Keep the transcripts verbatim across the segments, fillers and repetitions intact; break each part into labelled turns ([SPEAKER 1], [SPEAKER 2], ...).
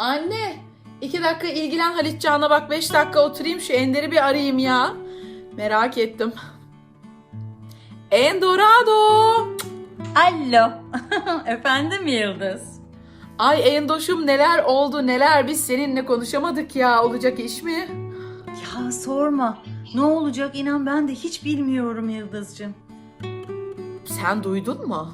[SPEAKER 1] Anne, iki dakika ilgilen Halitcan'la, bak beş dakika oturayım şu Ender'i bir arayayım ya. Merak ettim. Endorado.
[SPEAKER 2] Alo. Efendim Yıldız?
[SPEAKER 1] Ay Endoş'um, neler oldu neler, biz seninle konuşamadık ya, olacak iş mi?
[SPEAKER 2] Ya sorma. Ne olacak inan ben de hiç bilmiyorum Yıldız'cığım.
[SPEAKER 1] Sen duydun mu?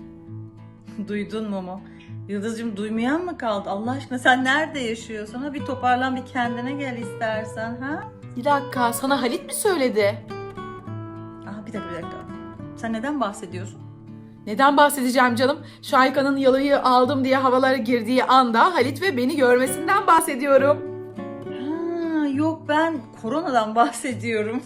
[SPEAKER 2] Duydun mu mu? Yıldız'cığım duymayan mı kaldı? Allah aşkına sen nerede yaşıyorsun? Ha bir toparlan bir kendine gel istersen ha?
[SPEAKER 1] Bir dakika, sana Halit mi söyledi?
[SPEAKER 2] Aa, bir dakika bir dakika. Sen neden bahsediyorsun?
[SPEAKER 1] Neden bahsedeceğim canım? Şahika'nın yalıyı aldım diye havalara girdiği anda Halit ve beni görmesinden bahsediyorum.
[SPEAKER 2] Ha, yok ben koronadan bahsediyorum.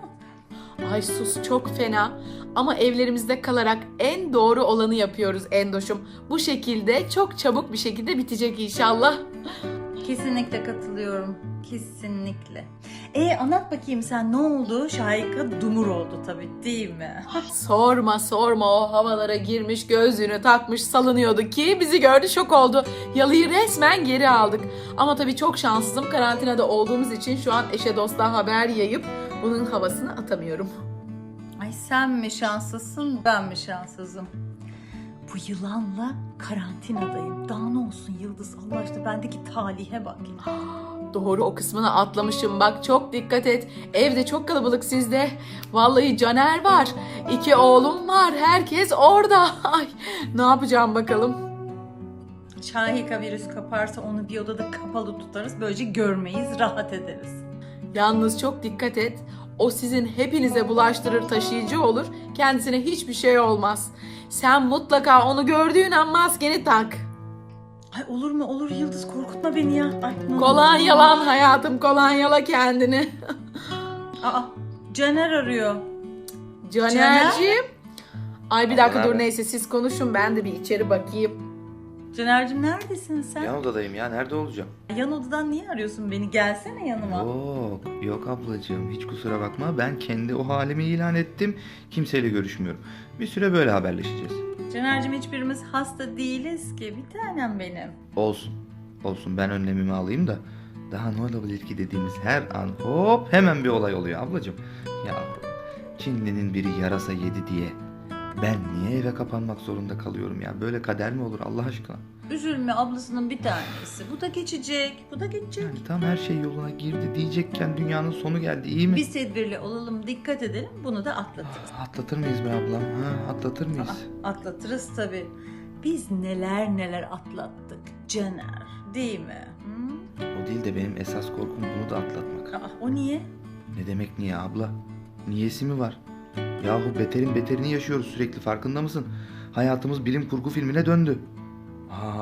[SPEAKER 1] Ay sus, çok fena. Ama evlerimizde kalarak en doğru olanı yapıyoruz Endoş'um. Bu şekilde çok çabuk bir şekilde bitecek inşallah.
[SPEAKER 2] Kesinlikle katılıyorum. Kesinlikle. E anlat bakayım sen ne oldu? Şahika dumur oldu tabii değil mi?
[SPEAKER 1] Sorma sorma, o havalara girmiş, gözlüğünü takmış salınıyordu ki bizi gördü, şok oldu. Yalıyı resmen geri aldık. Ama tabii çok şanssızım, karantinada olduğumuz için şu an eşe dosta haber yayıp bunun havasını atamıyorum.
[SPEAKER 2] Ay sen mi şanslısın ben mi şanssızım? Bu yılanla karantinadayım. Daha ne olsun Yıldız Allah aşkına bendeki talihe bak.
[SPEAKER 1] Doğru, o kısmını atlamışım, bak çok dikkat et. Evde çok kalabalık sizde. Vallahi Caner var, iki oğlum var, herkes orada. Ay ne yapacağım bakalım.
[SPEAKER 2] Şahika virüs kaparsa onu bir odada kapalı tutarız. Böylece görmeyiz, rahat ederiz.
[SPEAKER 1] Yalnız çok dikkat et. O sizin hepinize bulaştırır, taşıyıcı olur. Kendisine hiçbir şey olmaz. Sen mutlaka onu gördüğün an maskeni tak.
[SPEAKER 2] Ay olur mu olur Yıldız korkutma beni ya. Ay, ne olur.
[SPEAKER 1] Kolonyalan hayatım, kolonyala kendini.
[SPEAKER 2] Aa Caner arıyor.
[SPEAKER 1] Caner'ciğim. Ay bir dakika
[SPEAKER 3] Abla,
[SPEAKER 1] dur,
[SPEAKER 3] abi.
[SPEAKER 1] neyse siz konuşun, ben de bir içeri bakayım.
[SPEAKER 2] Caner'cim neredesin sen?
[SPEAKER 3] Yan odadayım ya. Nerede olacağım?
[SPEAKER 2] Yan odadan niye arıyorsun beni? Gelsene yanıma.
[SPEAKER 3] Yok. Yok ablacığım. Hiç kusura bakma. Ben kendi o halimi ilan ettim. Kimseyle görüşmüyorum. Bir süre böyle haberleşeceğiz.
[SPEAKER 2] Caner'cim hiçbirimiz hasta değiliz ki. Bir tanem benim.
[SPEAKER 3] Olsun. Olsun. Ben önlemimi alayım da. Daha ne olabilir ki dediğimiz her an hop hemen bir olay oluyor ablacığım. Ya Çinli'nin biri yarasa yedi diye ben niye eve kapanmak zorunda kalıyorum ya? Böyle kader mi olur Allah aşkına?
[SPEAKER 2] Üzülme ablasının bir tanesi. Bu da geçecek. Bu da geçecek.
[SPEAKER 3] Yani tam her şey yoluna girdi diyecekken dünyanın sonu geldi, iyi mi?
[SPEAKER 2] Biz tedbirli olalım, dikkat edelim. Bunu da atlatırız.
[SPEAKER 3] Atlatır mıyız be ablam? Ha, atlatır mıyız?
[SPEAKER 2] Aa, atlatırız tabii. Biz neler neler atlattık Caner. Değil mi? Hı?
[SPEAKER 3] O değil de benim esas korkum bunu da atlatmak.
[SPEAKER 2] Aa, o niye?
[SPEAKER 3] Ne demek niye abla? Niyesi mi var? Yahu beterin beterini yaşıyoruz sürekli, farkında mısın? Hayatımız bilim kurgu filmine döndü. Aa.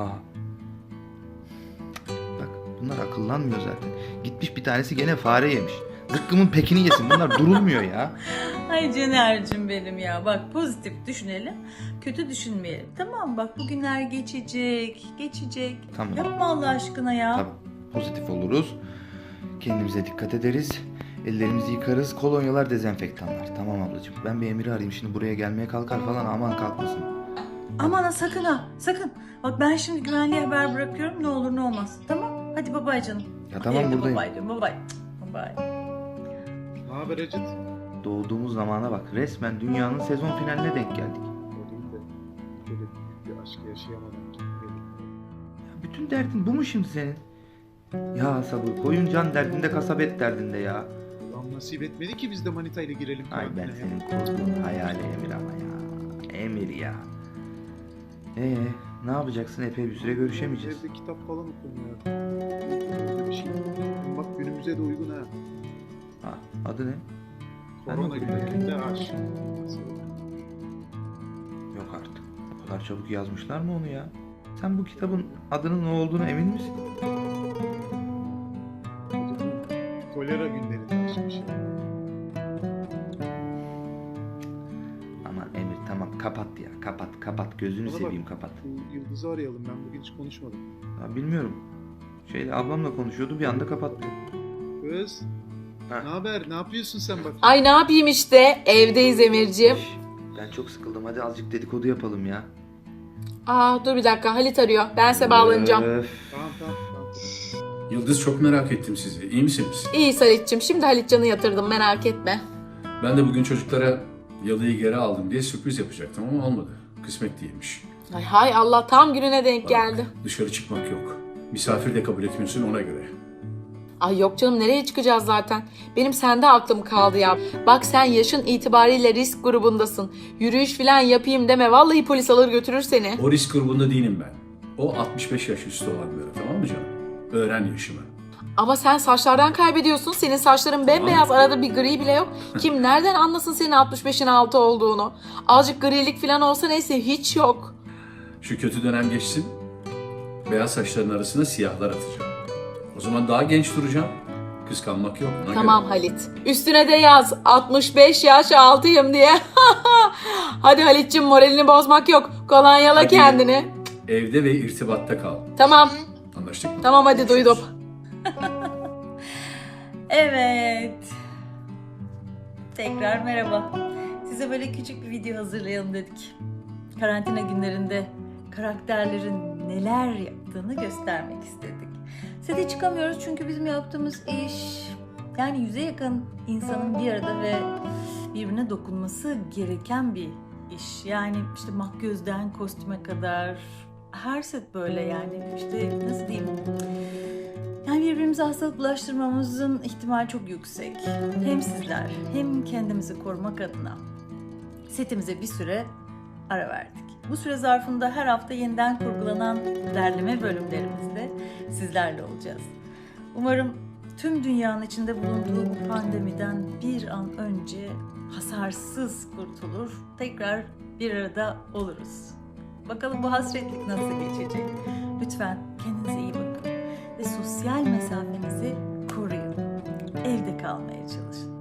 [SPEAKER 3] Bak bunlar akıllanmıyor zaten. Gitmiş bir tanesi gene fare yemiş. Zıkkımın pekini yesin, bunlar durulmuyor ya.
[SPEAKER 2] Ay Caner'cim benim ya. Bak pozitif düşünelim. Kötü düşünmeyelim. Tamam bak bugünler geçecek. Geçecek.
[SPEAKER 3] Tamam.
[SPEAKER 2] Yapma Allah aşkına ya.
[SPEAKER 3] Tamam, pozitif oluruz. Kendimize dikkat ederiz. Ellerimizi yıkarız. Kolonyalar, dezenfektanlar. Tamam ablacığım. Ben bir Emir'i arayayım. Şimdi buraya gelmeye kalkar falan. Aman kalkmasın.
[SPEAKER 2] Aman ha sakın ha. Sakın. Bak ben şimdi güvenliğe haber bırakıyorum. Ne olur ne olmaz. Tamam. Hadi babay canım.
[SPEAKER 3] Ya tamam,
[SPEAKER 2] Evde
[SPEAKER 3] buradayım.
[SPEAKER 2] Babay diyorum. Babay. Babay.
[SPEAKER 4] Ne haber Acıt?
[SPEAKER 3] Doğduğumuz zamana bak. Resmen dünyanın sezon finaline denk geldik.
[SPEAKER 4] O değil de böyle büyük bir aşk yaşayamadan gitmeyelim.
[SPEAKER 3] Ya bütün derdin bu mu şimdi senin? Ya sabır. Koyun can derdinde, kasabet derdinde ya.
[SPEAKER 4] Ulan nasip etmedi ki biz de manita ile girelim
[SPEAKER 3] Ay ben
[SPEAKER 4] karantinaya.
[SPEAKER 3] senin kurduğun hayali Emir ama ya. Emir ya. Ee, ne yapacaksın? Epey bir süre görüşemeyeceğiz.
[SPEAKER 4] Evde kitap falan okumuyor. Öyle bir şey. Bak günümüze de uygun ha.
[SPEAKER 3] Ha, adı ne? Ben de
[SPEAKER 4] Korona
[SPEAKER 3] okuyayım
[SPEAKER 4] günlerinde aşk.
[SPEAKER 3] Yok artık. O kadar çabuk yazmışlar mı onu ya? Sen bu kitabın adının ne olduğunu emin misin?
[SPEAKER 4] Kolera günlerinde aşk bir şey.
[SPEAKER 3] Aman Emir tamam, kapat ya, kapat kapat, gözünü
[SPEAKER 4] Bana bak,
[SPEAKER 3] seveyim kapat.
[SPEAKER 4] Bu Yıldız'ı arayalım, ben bugün hiç konuşmadım.
[SPEAKER 3] Ya bilmiyorum. Şeyle ablamla konuşuyordu, bir anda kapattı.
[SPEAKER 4] Kız.
[SPEAKER 3] Ha.
[SPEAKER 4] Ne haber? Ne yapıyorsun sen bak?
[SPEAKER 1] Ay ne yapayım işte, evdeyiz Emir'ciğim.
[SPEAKER 3] Şş, ben çok sıkıldım, hadi azıcık dedikodu yapalım ya.
[SPEAKER 1] Aa dur bir dakika, Halit arıyor, ben size bağlanacağım.
[SPEAKER 3] Öf.
[SPEAKER 4] Tamam tamam. tamam.
[SPEAKER 5] Yıldız, çok merak ettim sizi. İyi misiniz?
[SPEAKER 1] İyi Salit'cim, şimdi Halitcan'ı yatırdım, merak etme.
[SPEAKER 5] Ben de bugün çocuklara Yalı'yı geri aldım diye sürpriz yapacaktım ama olmadı. Kısmet değilmiş.
[SPEAKER 1] Ay hay Allah, tam gününe denk geldi.
[SPEAKER 5] Dışarı çıkmak yok. Misafir de kabul etmiyorsun, ona göre.
[SPEAKER 1] Ay yok canım, nereye çıkacağız zaten? Benim sende aklım kaldı ya. Bak sen yaşın itibariyle risk grubundasın. Yürüyüş falan yapayım deme, vallahi polis alır götürür seni.
[SPEAKER 5] O risk grubunda değilim ben. O altmış beş yaş üstü olanlara, tamam mı canım? Öğren yaşımı.
[SPEAKER 1] Ama sen saçlardan kaybediyorsun. Senin saçların bembeyaz, arada bir gri bile yok. Kim nereden anlasın senin altmış beşin altı olduğunu? Azıcık grilik falan olsa neyse, hiç yok.
[SPEAKER 5] Şu kötü dönem geçsin, beyaz saçların arasına siyahlar atacağım. O zaman daha genç duracağım. Kıskanmak yok, ona
[SPEAKER 1] Tamam
[SPEAKER 5] göre.
[SPEAKER 1] Halit. Üstüne de yaz altmış beş yaş altıyım diye. Hadi Halit'cim, moralini bozmak yok. Kolonyala
[SPEAKER 5] Hadi.
[SPEAKER 1] kendini.
[SPEAKER 5] Evde ve irtibatta kal.
[SPEAKER 1] Tamam.
[SPEAKER 5] Anlaştık mı?
[SPEAKER 1] Tamam hadi, duydum.
[SPEAKER 2] Evet. Tekrar merhaba. Size böyle küçük bir video hazırlayalım dedik. Karantina günlerinde karakterlerin neler yaptığını göstermek istedik. Sete çıkamıyoruz çünkü bizim yaptığımız iş, yani yüze yakın insanın bir arada ve birbirine dokunması gereken bir iş. Yani işte makyözden kostüme kadar her set böyle, yani işte nasıl diyeyim? Yani birbirimize hastalık bulaştırmamızın ihtimali çok yüksek. Hem sizler hem kendimizi korumak adına setimize bir süre ara verdik. Bu süre zarfında her hafta yeniden kurgulanan derleme bölümlerimizde sizlerle olacağız. Umarım tüm dünyanın içinde bulunduğu bu pandemiden bir an önce hasarsız kurtulur, tekrar bir arada oluruz. Bakalım bu hasretlik nasıl geçecek? Lütfen kendinize iyi bakın ve sosyal mesafenizi koruyun. Evde kalmaya çalışın.